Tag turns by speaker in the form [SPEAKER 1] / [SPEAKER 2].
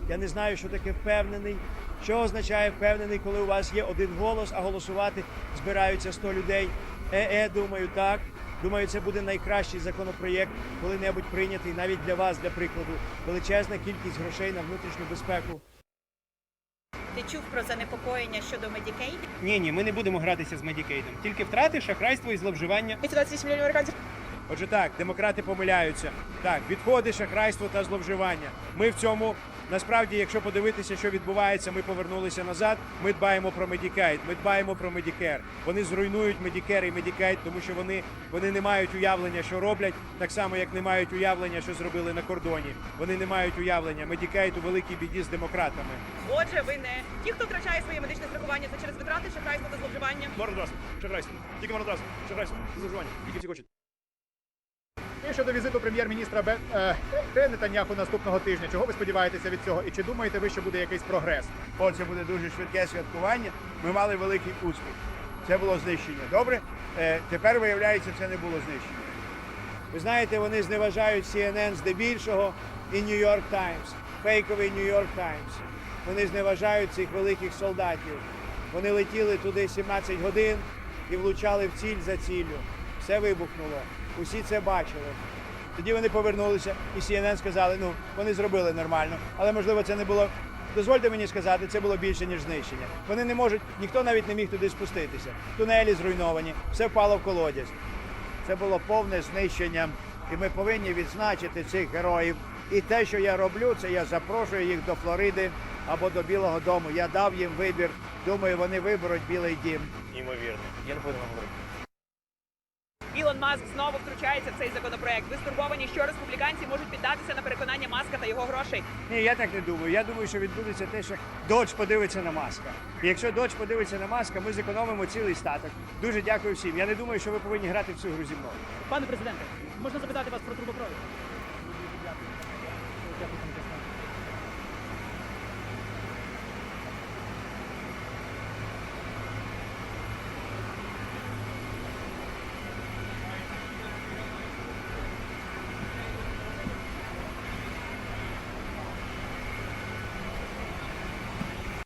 [SPEAKER 1] Я не знаю, що таке впевнений. Що означає впевнений, коли у вас є один голос, а голосувати збираються 100 людей. Думаю, так. Думаю, це буде найкращий законопроєкт, коли-небудь прийнятий навіть для вас, для прикладу. Величезна кількість грошей на внутрішню безпеку.
[SPEAKER 2] Ти чув про занепокоєння щодо Medicaid?
[SPEAKER 3] Ні, ми не будемо гратися з Медікейдом. Тільки втрати, шахрайство і зловживання.
[SPEAKER 4] 28 мільйонів американців.
[SPEAKER 1] Отже так, демократи помиляються. Так, відходи, шахрайство та зловживання. Ми в цьому, насправді, якщо подивитися, що відбувається, ми повернулися назад, ми дбаємо про Medicaid, ми дбаємо про Medicare. Вони зруйнують Medicare і Medicaid, тому що вони не мають уявлення, що роблять, так само, як не мають уявлення, що зробили на кордоні. Вони не мають уявлення. Medicaid у великій біді з демократами.
[SPEAKER 4] Отже, ви не ті, хто втрачає своє медичне страхування, це через витрати, шахрайство та зловживання.
[SPEAKER 1] Марнотратство, шахрайство, тільки марнотратство, шахрайство, зловживання, тільки ці хочуть.
[SPEAKER 5] І щодо візиту прем'єр-міністра Нетаньяху наступного тижня, чого ви сподіваєтеся від цього? І чи думаєте ви, що буде якийсь прогрес?
[SPEAKER 1] Це буде дуже швидке святкування. Ми мали великий успіх. Це було знищення. Добре? Тепер, виявляється, це не було знищення. Ви знаєте, вони зневажають CNN здебільшого і New York Times, фейковий New York Times. Вони зневажають цих великих солдатів. Вони летіли туди 17 годин і влучали в ціль за ціллю. Все вибухнуло. Усі це бачили. Тоді вони повернулися, і CNN сказали, вони зробили нормально. Але, можливо, це не було, дозвольте мені сказати, це було більше, ніж знищення. Вони не можуть, ніхто навіть не міг туди спуститися. Тунелі зруйновані, все впало в колодязь. Це було повне знищення, і ми повинні відзначити цих героїв. І те, що я роблю, це я запрошую їх до Флориди або до Білого дому. Я дав їм вибір. Думаю, вони виберуть Білий дім.
[SPEAKER 3] Ймовірно. Я не буду вам говорити.
[SPEAKER 4] Ілон Маск знову втручається в цей законопроект. Ви стурбовані, що республіканці можуть піддатися на переконання Маска та його грошей.
[SPEAKER 1] Ні, я так не думаю. Я думаю, що відбудеться те, що Додж подивиться на Маска. І якщо Додж подивиться на Маска, ми зекономимо цілий статок. Дуже дякую всім. Я не думаю, що ви повинні грати в цю гру зі мною.
[SPEAKER 6] Пане президенте, можна запитати вас про трубопровід?